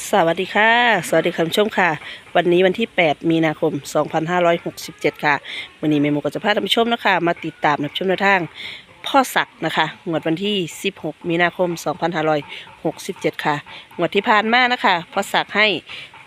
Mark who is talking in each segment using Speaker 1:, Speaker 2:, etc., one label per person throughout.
Speaker 1: สวัสดีค่ะสวัสดีคุณผู้ชมค่ะวันนี้วันที่8มีนาคม2567ค่ะวันนี้เมโมก็จะพาท่านผู้ชมนะคะมาติดตามรับชมแนวทางพ่อศักดิ์นะคะงวดวันที่16มีนาคม2567ค่ะงวดที่ผ่านมานะคะพ่อศักดิ์ให้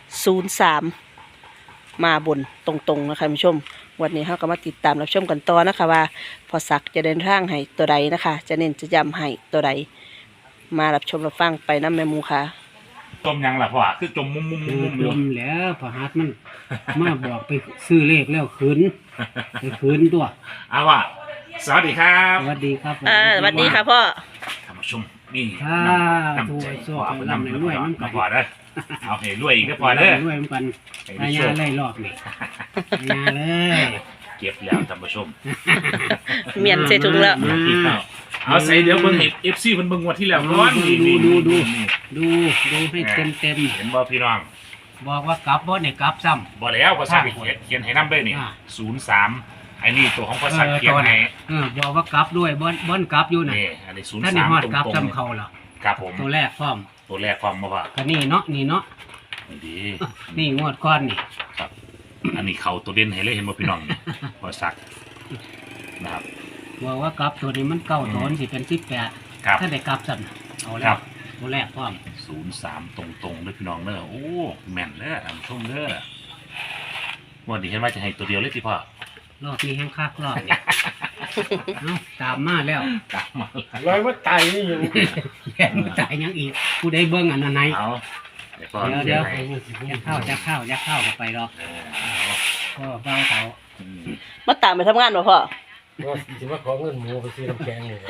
Speaker 1: 03มาบนตรงๆนะคะคุณผู้ชมวันนี้เราก็มาติดตามรับชมกันต่อนะคะว่าพ่อศักดิ์จะเดินทางให้ตัวใดนะคะจะเน้นจะย้ำให้ตัวใดมารับชมรับฟังไปน้ำแม่หมูค่ะ
Speaker 2: จมยังล่ะพ่อคือจมมุม
Speaker 3: จมแล้วพอฮัดมันมาบอกไปซื้อเลขแล้วคืนไปคืนตัว
Speaker 2: เอาว่ะสวัสดีครับ
Speaker 3: สวัสดีครับ
Speaker 1: สวัสดีค่ะพ่อ
Speaker 2: ท่านผู้ชมนี่
Speaker 3: ถ้า
Speaker 2: น้ำ
Speaker 3: ตัว
Speaker 2: ใจ
Speaker 3: โซ่
Speaker 2: พ่อ
Speaker 3: ไป
Speaker 2: เป็น
Speaker 3: ลำ
Speaker 2: น้ำ
Speaker 3: ใน
Speaker 2: ใน
Speaker 3: ร
Speaker 2: ร
Speaker 3: ว
Speaker 2: วย ย
Speaker 3: มัน
Speaker 2: มาพอเด้อเอาให้รวยอีกก็พอเด้อ
Speaker 3: รวยมันกัน
Speaker 2: ให้
Speaker 3: พายาไล่รอบนี่พายาเลย
Speaker 2: เก็บแล้วท่านผู้ชม
Speaker 1: เมียนใส่ถุงแล้ว
Speaker 2: เอาใส่เดี๋ยวเบิ่งเอฟซีเพิ่นเบิ่งงวดที่แล้วก่อนนี่
Speaker 3: ดูให้เต็ม
Speaker 2: เห็นบ่พี่น้อง
Speaker 3: บอกว่ากลับบ่เนี่ยกลับซ้ำ
Speaker 2: บ่แล้วภาษาเขียนให้นำเด้อนี่03ไอ้นี่ตัวของภาษาเขียนให้
Speaker 3: บอกว่ากลับด้วยบ่นกลับอยู่น่ะ
Speaker 2: นี่อันนี้
Speaker 3: ถ้าในฮอด
Speaker 2: 03ต
Speaker 3: กลับ
Speaker 2: รง
Speaker 3: ซ้ำเขาล่ะ
Speaker 2: ๆครับผม
Speaker 3: ตัวแรกพร้อม
Speaker 2: ตัวแรกความมาว่า
Speaker 3: ก็นี่เนาะนี่
Speaker 2: ดี
Speaker 3: นี่งวดก้อนนี่
Speaker 2: ครับอันนี้เขาตัวเด่นให้เลยเห็นบ่พี่น้องนี่พอสักนะครับ
Speaker 3: บอกว่ากลับตัวนี้มันเก้าตัวสิเป็น18
Speaker 2: ครับ
Speaker 3: ถ้าได้กลับสั่นเอา
Speaker 2: ค
Speaker 3: แล้
Speaker 2: รั
Speaker 3: ว
Speaker 2: บ
Speaker 3: ตัวแรกพร้อม
Speaker 2: 03ตรงๆเลยพี่น้องเด้อโอ้แม่นเด้อท่านผู้ชมเด้อวันนี้เห็นว่าจะให้ตัวเดียวเลยสิพ่อ
Speaker 3: รอบนี้แห้งคักรอบนี้ เอ้าตามมาแล้ว
Speaker 2: กลับมา
Speaker 4: ร้อยว่าไตนี่อยู่
Speaker 3: แย่มาตายยังอีกผู้ใดเบิ่งอันนั้นไหน
Speaker 2: เอาเดี๋ยวพ่อ
Speaker 3: เดี๋ยว
Speaker 2: เขี
Speaker 3: เดี๋
Speaker 2: ย
Speaker 3: ย
Speaker 2: น
Speaker 3: ว
Speaker 2: ให้
Speaker 3: จะเข้าก็ไปหรอก
Speaker 2: เอา
Speaker 3: ก็เบ้าเขา
Speaker 2: อืม
Speaker 1: มาตามไปทำงานบ่พ่อ
Speaker 4: ว่าสิว่าขอเงินหมูไปซื้อน้ำแกงนี่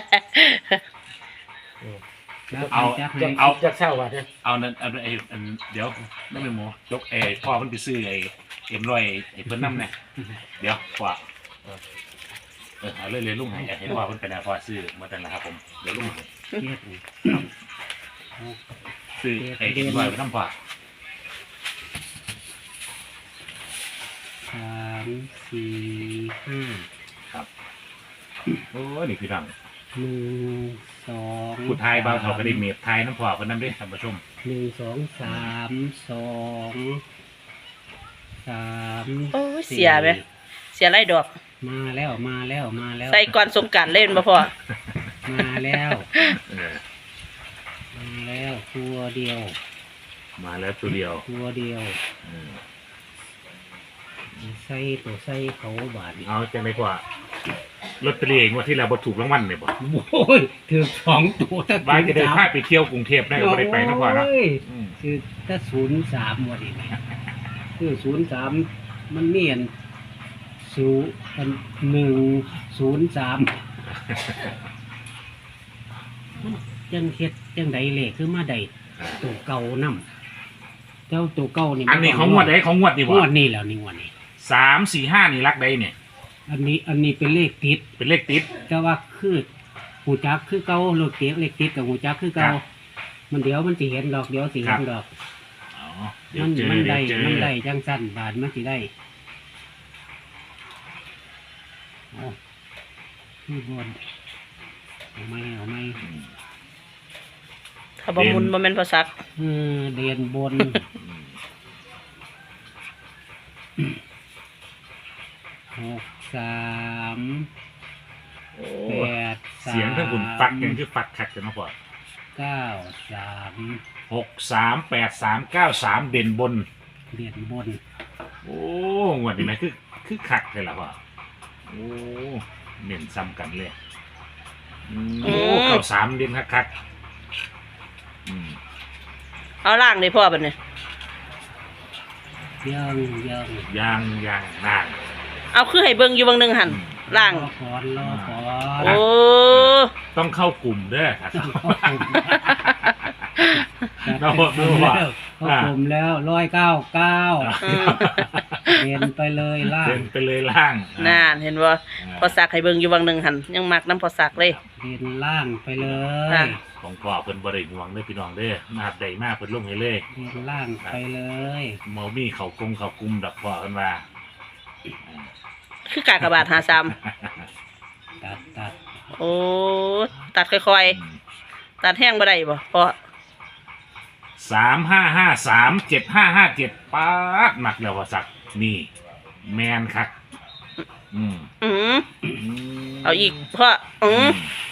Speaker 2: เอา
Speaker 4: จะเช่าว่าเนี่ย
Speaker 2: เอานั่นเอาไอ้อันเดี๋ยวนั่นเป็นหมูยกพ่อเพิ่นไปซื้อไอ้เอ็มร้อยไอ้เพิ่นนำเนี่ยเดี๋ยวพ่อเอาเลยลุงให้เห็นว่าเพิ่นเป็นอะไรพ่อซื้อมาตั้งนะครับผมเดี๋ยวลุง
Speaker 3: เจ็ด
Speaker 2: ซื้อไอ้เอ็มร้อยไปนำพ่อ
Speaker 3: 3 4 5
Speaker 2: ครับโอ้นี่คือดัง
Speaker 3: 1 2
Speaker 2: ผู้ไทยบางเขาก็ได้เมียบไทยน้ำพอคนนั้นด้วยท่านผู้ชม
Speaker 3: 1 2 3 2 3
Speaker 1: โอ้ยเสียไหมเสียไรดอก
Speaker 3: มาแล้ว
Speaker 1: ใส่ก่อนสงกรานต์เล่นบ่พ่อ
Speaker 3: มาแล้ว
Speaker 2: เออ
Speaker 3: มาแล้วตัวเดียว
Speaker 2: มาแล้วตัวเดียว
Speaker 3: ตัวเดียว
Speaker 2: เออ
Speaker 3: ใส่ตัวใส่เขาบาทนี่
Speaker 2: เอาจังไดกว่าลอตเตอรี่งวดที่แล้วบ่ถูกรางวัลเนี่ยบ่
Speaker 3: โอ้ยถือ2ตัวถ้า
Speaker 2: บ้านจะได้พาไปเที่ยวกรุงเทพได้ก็บ่ได้ไปนะพ่อนะ
Speaker 3: โย
Speaker 2: อืม
Speaker 3: คือถ้า03วันนี้คือ03มันเนียน103จังเฮ็ดจังใดเลขคือมาได้ตัวเก่านำเจ้าตัวเก่านี่
Speaker 2: อันนี้ของงวดใดของงวดนี่
Speaker 3: ง
Speaker 2: บ่
Speaker 3: วดนี้แล้วนี่งวดนี้
Speaker 2: 3 4 5นี่รักใดเนี่ย
Speaker 3: อันนี้เป็นเลขติด
Speaker 2: เป็นเลขติด
Speaker 3: แต่ว่าคือหูจักคือเก่าเลขติดกับหูจักคือเก่า
Speaker 2: ครับ
Speaker 3: มันเดี๋ยวมันสิเห็นดอกเดี๋ยวสิเห็นดอก
Speaker 2: อ๋อเดี๋ยว
Speaker 3: มัน
Speaker 2: เจอ
Speaker 3: มัน
Speaker 2: เดี๋
Speaker 3: ได้
Speaker 2: ยวเจอ
Speaker 3: มันได้จังสั้นบาทมันสิได้เอาที่บนเอาไหม
Speaker 2: อืม
Speaker 1: ถ้าบ่มุนบ่แม่นพ่อศักดิ์
Speaker 3: เดียนบน 63
Speaker 2: โอ้
Speaker 3: 83
Speaker 2: เสียงทั้งคุณฟักยังคือฟักคักจังเนาะพ่อ
Speaker 3: 93
Speaker 2: 638393เด่นบน
Speaker 3: เดียนบน
Speaker 2: โอ้งวดนี้ไหมคือคักเลยล่ะพ่อโอ้เน้นซ้ำกันเลยโอ้เข้า3เด่นคักๆอืม
Speaker 1: เอาล่างเลยพ่อบัดนี้
Speaker 3: ยัง
Speaker 2: ยางนาง
Speaker 1: เอาคือให้เบิ่งอยู่บางหนึงหั่นล่าง
Speaker 3: รอก่อน
Speaker 1: โอ้
Speaker 2: ต้องเข้ากลุ่มเด้อครับ
Speaker 3: เข้ากลุ่มแล้ว199เดินไปเลยล่าง
Speaker 2: เดินไปเลยล่าง
Speaker 1: น่านเห็นบ่พ่อศักดิ์ให้เบิ่งอยู่บางหนึงหั่นยังมักน้ำพ่อศักดิ์เลย
Speaker 3: เดินล่างไปเล
Speaker 1: ค่ะ
Speaker 3: ย
Speaker 2: ของพ่อเพิ่นบ่ได้ห่วงเด้อพี่น้องเด้อมาดใดมาเพิ่นลงให้เลย
Speaker 3: เดินล่างไปเลย
Speaker 2: เมามีเขากลุ่มดอกพ่อเพิ่นว่า
Speaker 1: คือกากบาท53
Speaker 3: ตัด
Speaker 1: โอ้ตัดค่อยๆตัดแห้งบ่ได้บ่พ่อ
Speaker 2: 3553 7557ป๊าดหนักแล้วว่าสักนี่แมนครับอืม
Speaker 1: อืม
Speaker 2: อืม
Speaker 1: เอาอีกพ่ออืม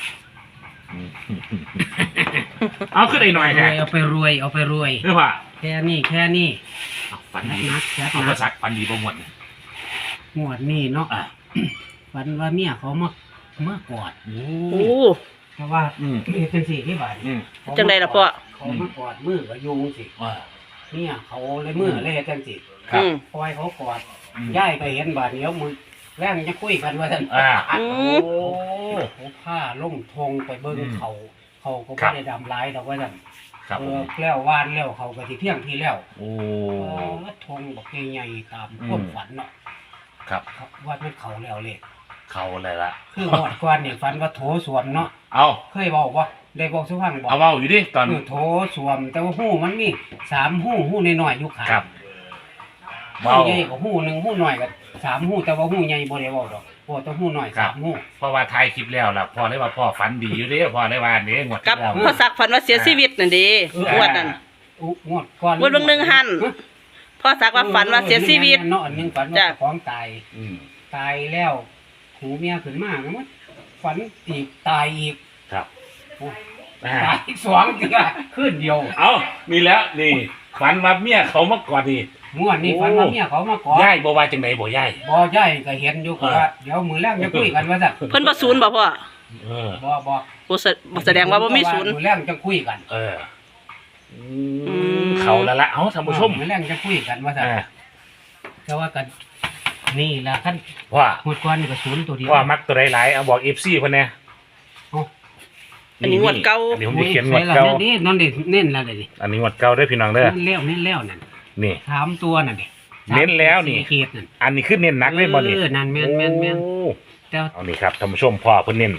Speaker 2: เอาขึ้นได้หน่อยแท้
Speaker 3: เอาไปรวยเอาไปรวย
Speaker 2: เรียกว่า
Speaker 3: แค่นี้
Speaker 2: เอาฝันดี
Speaker 3: นักนัก
Speaker 2: เอา
Speaker 3: นั
Speaker 2: ภาก ษาฝันดีประมวล
Speaker 3: งวดนี้เนาะ
Speaker 2: อ่ะ
Speaker 3: ฝันว่าเมียเขามากอด
Speaker 2: โอ้
Speaker 1: โอ้
Speaker 3: เพราะว่า
Speaker 2: อืม
Speaker 3: เป็นสี่ที่บาท
Speaker 2: อืม
Speaker 1: จังใดล่ะพ่อ
Speaker 3: เขามากอดมือกับยุงสิ
Speaker 2: ว่า
Speaker 3: เนี่ยเขาเลยมือเลยจังสิ
Speaker 2: ครับ
Speaker 1: อืม
Speaker 3: ปล่อยเขากอด
Speaker 2: อืม
Speaker 3: ย่ายไปเห็นบาดเดียวมือแรงจะคุยกันว่าท่าน
Speaker 2: อ่า
Speaker 1: อื
Speaker 2: โอ้
Speaker 1: ม
Speaker 3: เขาผ้าล่งทงไปเบิ้ง
Speaker 2: อืม
Speaker 3: เขาก็
Speaker 2: ครั
Speaker 3: ไม่
Speaker 2: บ
Speaker 3: ได้ดำร้ายดอกว่าท่าน
Speaker 2: ครับผม
Speaker 3: แล้ววานแล้วเขาก็ที่เพียงที่แล้ว
Speaker 2: โอ้
Speaker 3: ทงบอกใหญ่ๆตาม
Speaker 2: อืม
Speaker 3: ความฝันเนาะ
Speaker 2: ครับ
Speaker 3: ครับว่ามันเขาแล้วเลย
Speaker 2: เขาอะไรละ
Speaker 3: คือหมดก่อนเนี่ยฝันว่าโถสวมเนาะ
Speaker 2: เอา
Speaker 3: เคยบอกว่าได้บอกสุพรรณบอก
Speaker 2: เอาเว้าอยู่ดิตอน
Speaker 3: คือโถสวม แต่ว่าหู้มันมี3 หู้น้อยๆอยู่ขา
Speaker 2: ครับ
Speaker 3: หู้
Speaker 2: เว้า
Speaker 3: ใหญ่กับหู้หนึ่งหู้น้อยกับ3 หู้แต่ว่าหู้ใหญ่บ่ได้บอกดอกบอกแต่หู้น้อย
Speaker 2: ครับ
Speaker 3: 3 หู้
Speaker 2: เพราะว่าถ่ายคลิปแล้วล่ะพ่อเลยว่าพ่อฝันดีอยู่เด้พ่อเลยว่าเด้งวด
Speaker 1: กับ
Speaker 2: ที่แล้ว
Speaker 1: พ่อสักฝันว่าเสียชีวิตนั่นดีงวดนั่น
Speaker 3: งวดก่อน
Speaker 1: งวดเบิ่งหนึ่งหัน พ่อสักว่าฝันว่าเสียชีวิต
Speaker 3: เนาะอันหนึงฝันว่า
Speaker 1: จ้ะ
Speaker 3: เจ้าของตาย
Speaker 2: อืม
Speaker 3: ตายแล้วหูเมียขึ้นมาแล้วมันฝันอีกตายอีก
Speaker 2: ครับ
Speaker 3: โอ้
Speaker 2: อ่า
Speaker 3: ตายอีก2เทื่อคืนเดียว
Speaker 2: เอามีแล้วนี่ฝันว่าเมียเขามาก่อนนี่
Speaker 3: ม่วนนี่ฝันว่าเมียเขามาขอ
Speaker 2: ย่ายบ่ว่าจังไดบ่ย่าย
Speaker 3: บ่ใหญ่ก็เห็นอยู่ก็ว่าเดี๋ยวมื้อแรกจะคุยกันว่าซั่น
Speaker 1: เพิ่นบ่ศูนย์บ่พ่อ
Speaker 2: เออ
Speaker 3: บ่บ่
Speaker 1: บ่แสดงว่าบ่มีศูนย์
Speaker 3: มื้อแรกจะคุยกัน
Speaker 2: เออ
Speaker 1: ม
Speaker 2: เขาแล้วละเอาท่านผู้ชม
Speaker 3: มื้อแรกจะคุยกันว่าซั่น
Speaker 2: อ่า
Speaker 3: แต่ว่ากันนี่ล่ะคัน
Speaker 2: ว่า
Speaker 3: หมดก่อนนี่ก็ศูนย์ตัวเดียว
Speaker 2: ว่ามักตัวหลายๆเอาบอก FC เพิ่นแน่
Speaker 3: เอ้า
Speaker 1: อันนี้งวดเก่า
Speaker 2: อันนี้ผมจะเขียนงวดเก่า
Speaker 3: นี่นั่นดิเน้นแล้วดิ
Speaker 2: อันนี้งวดเก่าเด้อพี่น้องเด้อ
Speaker 3: เน้นแล้วนั่น
Speaker 2: นี่
Speaker 3: 3ตัวนั่นดิ
Speaker 2: เน้นแล้วนี่
Speaker 3: 4ขีดนั่น
Speaker 2: อันนี้คือเน้นหนักเลยบ่นี่
Speaker 3: นั่นแม่น
Speaker 2: โอ้
Speaker 3: แต่
Speaker 2: เอานี่ครับท่านผู้ชมพ่อเพิ่นเน้น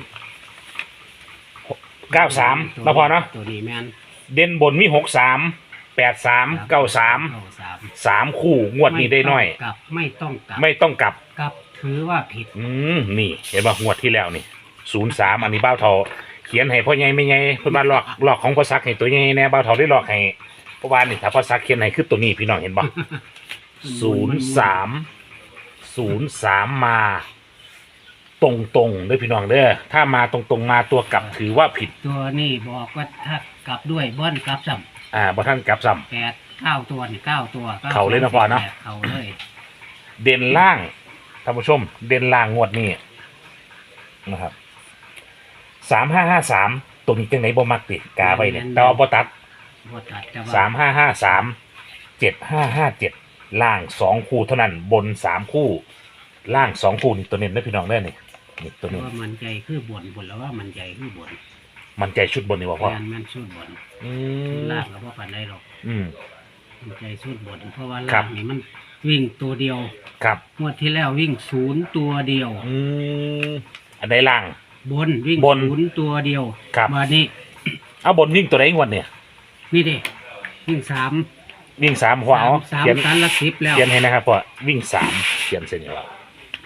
Speaker 2: 93แล้วพอเนาะ
Speaker 3: ตัวนี้แม่น
Speaker 2: เด่นบนมี63 83 93 3คู่งวดนี้ได้น้อย
Speaker 3: ไม่ต้องกลับ
Speaker 2: ไม่ต้องกลับ
Speaker 3: กลับถือว่าผิด
Speaker 2: นี่เห็นป่ะงวดที่แล้วนี่03อันนี้เบ้าเทาเขียนให้พ่อใหญ่ไม่ใหญ่เพิ่นมาหลอกของพ่อซักให้ตัวใหญ่แน่เบ้าเทาได้หลอกให้เพราะว่านี่ถ้าพ่อซักเขียนให้คือตัวนี้พี่น้องเห็นป่ะ03มาตรงๆเด้อพี่น้องเด้อถ้ามาตรงๆมาตัวกลับถือว่าผิด
Speaker 3: ตัวนี้บอกว่าถ้ากลับด้วยบ้อนกลับซ้
Speaker 2: บ่ท่านกลับซ้
Speaker 3: ำ9 ตัวนี่9 ตัว
Speaker 2: เขาเลยนะพ่อเนาะ
Speaker 3: เขาเลย
Speaker 2: ำเด่นล่างท่านผู้ชม เด่นล่างงวดนี้นะครับ3553ตัวนี้จังไหนบ่มักติกาไว้เนี่ยแต่ว่าบ่ตัด
Speaker 3: บ่ตัดแต่ว่า
Speaker 2: 3553 7557ล่าง2คู่เท่านั้นบน3คู่ล่าง2คู่นี่ตัวเน้นนะพี่น้องเด้อนี่ตัว
Speaker 3: แต่
Speaker 2: นี้
Speaker 3: ว่ามันใจคือบ่นแล้วว่ามันใจคือบ่น
Speaker 2: มันใจชุดบนนี่บ่พ่อ
Speaker 3: มันสุดบ่น
Speaker 2: อืม
Speaker 3: ล่างก็บ่ปานใดหรอก
Speaker 2: อืม
Speaker 3: มันใจสุดบ่นเพราะว่า
Speaker 2: ครั
Speaker 3: ล่า
Speaker 2: บ
Speaker 3: งนี่มันวิ่งตัวเดียว
Speaker 2: ครับ
Speaker 3: งวดที่แล้ววิ่ง0ตัวเดียว
Speaker 2: อันใดล่าง
Speaker 3: บนวิ่ง
Speaker 2: บน
Speaker 3: 0ตัวเดียว
Speaker 2: ครับ
Speaker 3: มานี่
Speaker 2: เอาบนวิ่งตัวใดงวดเนี่ย
Speaker 3: นี่เด้วิ่ง3
Speaker 2: วิ่ง3หัวเอา
Speaker 3: 3
Speaker 2: เขียน
Speaker 3: ตันละ10แล้ว
Speaker 2: เขียนให้นะครับพ่อวิ่ง3เขียนเส้นนี้ว่า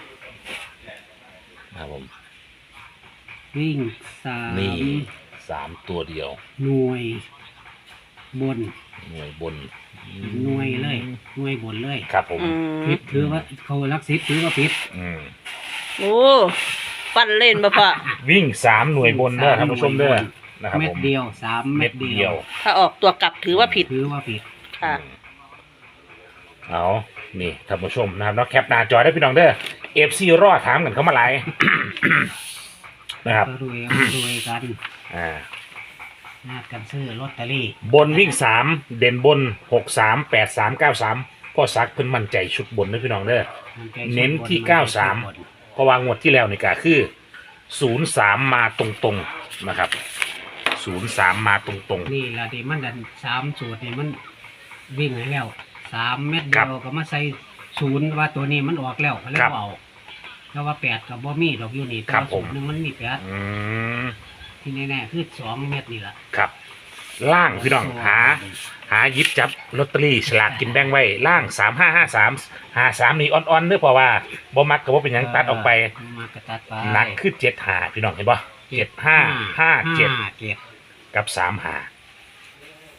Speaker 2: ครับผม
Speaker 3: วิ่ง
Speaker 2: นี่
Speaker 3: 3
Speaker 2: 3ตัวเดียว
Speaker 3: หน่วยบน
Speaker 2: หน่วยบน
Speaker 3: หน่วยเลยหน่วยบนเลย
Speaker 2: ครับผม
Speaker 1: อืม
Speaker 3: ผิดถือว่าเขารัก10ถือว่าผิด
Speaker 2: อืม
Speaker 1: โอ้ปั้นเล่นบ่พ่อ
Speaker 2: วิ่ง3หน่วยบนเด้อท่านผู้ชมเด้อนะครับ
Speaker 3: เม็
Speaker 2: ผ
Speaker 3: ด
Speaker 2: ม
Speaker 3: เดียว3เม็ดเดียว
Speaker 1: ถ้าออกตัวกลับถือว่าผิด
Speaker 3: ถือว่าผิด
Speaker 1: ค่ะ
Speaker 2: เอานี่ท่านผู้ชมนะครับเนาะแคปหน้าจอได้พี่น้องเด้อ FC รอถามกันเข้ามาหลาย นะครับ
Speaker 3: ก็รวยกัน
Speaker 2: อ่า
Speaker 3: นาดกันซื้อลอตเตอรี่
Speaker 2: บนวิ่ง3เด่นบน63 83 93พ่อซักเพิ่นมั่นใจชุดบนนะพี่น้องเด้อ
Speaker 3: มันใจ
Speaker 2: เน้นที่
Speaker 3: บ
Speaker 2: เพราะว่างวดที่แล้วนี่ก็คือ03มาตรงๆนะครับ03มาตรง
Speaker 3: นี่ละที่มันดัน3สูตรนี่มันวิ่งให้แล้ว3เม็ดเดียวก็มาใส่0ว่าตัวนี้มันออกแล้วก็เลยบ่เอาแล้วว่า8ก็บ่มีดอกอยู่นี่แต่ว่าสูตรหนึงมันมี
Speaker 2: ๆอืม
Speaker 3: 8ที่แน่ๆคือ2เม็ดนี่ล่ะ
Speaker 2: ครับ ล่างพี่น้องหาหยิบจับลอตเตอรี่ฉลากกินแบ่งไว้ล่าง3553นี่อ่อนๆเด้อเพราะว่าบ่มักก็บ่เป็นหยังตัดออกไป
Speaker 3: มากระตัดไป
Speaker 2: หนักคือ75พี่น้องเห็นบ่7557กับ35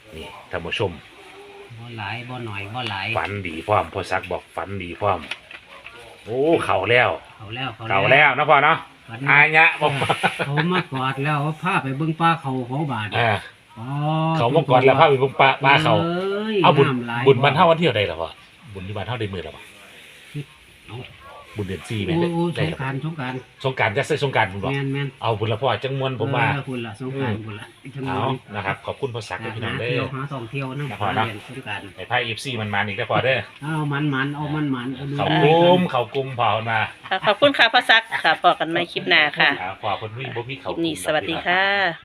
Speaker 2: นี่ท่านผู้ชม
Speaker 3: บ่หลายบ่หน่อยบ่หลาย
Speaker 2: ฝันดีพร้อมพ่อซักบอกฝันดีพร้อมโอ้เข่าแล้ว
Speaker 3: เขาแล้ว
Speaker 2: เข่าแล้วนะพ่อเนาะ
Speaker 3: ฝัน
Speaker 2: อายะบอก
Speaker 3: เขามากอดแล้วพาไปเบิ่งปลาเขาบาด
Speaker 2: อ่า
Speaker 3: อ๋อ
Speaker 2: เขาเมื่อก่อนแล้วพาไปบุญปลาเขา
Speaker 3: อ้ย
Speaker 2: เอาบุญ
Speaker 3: น้ำหลาย
Speaker 2: บุญบรรเท่าวันเที่ยวได้หรอพ่อบุญที่บรรเท่าได้มือหรอพ่อ
Speaker 3: เอา
Speaker 2: บุญเดือน4ไหม
Speaker 3: โอ้โอ้ส
Speaker 2: ได้
Speaker 3: ง
Speaker 2: หรอก
Speaker 3: รารสงกราร
Speaker 2: สงกรารจะใส่สงกรารบุญบอก
Speaker 3: แม่นแม่น
Speaker 2: เอาบุญละพ่อจังมวนผมว่า
Speaker 3: คุณล่ะสงกรารคุณล่ะจัง
Speaker 2: เอานะครับขอบคุณพ่อซักด้วยพี่น้องเด้
Speaker 3: เที่ยว
Speaker 2: อ
Speaker 3: หาท่องเที่ยวนะ
Speaker 2: นะครับนะ
Speaker 3: เรียนสงกราร
Speaker 2: ไอ้ไพ่FC มันมาอีกแล้วพ่อเด้อ
Speaker 3: เอามันเอามันเอาดู
Speaker 2: เขากุมเขากุมพอมา
Speaker 1: ค่ะขอบคุณค่ะพ่อซักค่ะพอกันใหม่คลิปหน้าค่ะ
Speaker 2: พอคนวิ่งบ่มี
Speaker 1: ค
Speaker 2: เขา
Speaker 1: ลิป
Speaker 2: กุม
Speaker 1: นี้สวัสดีค่ะ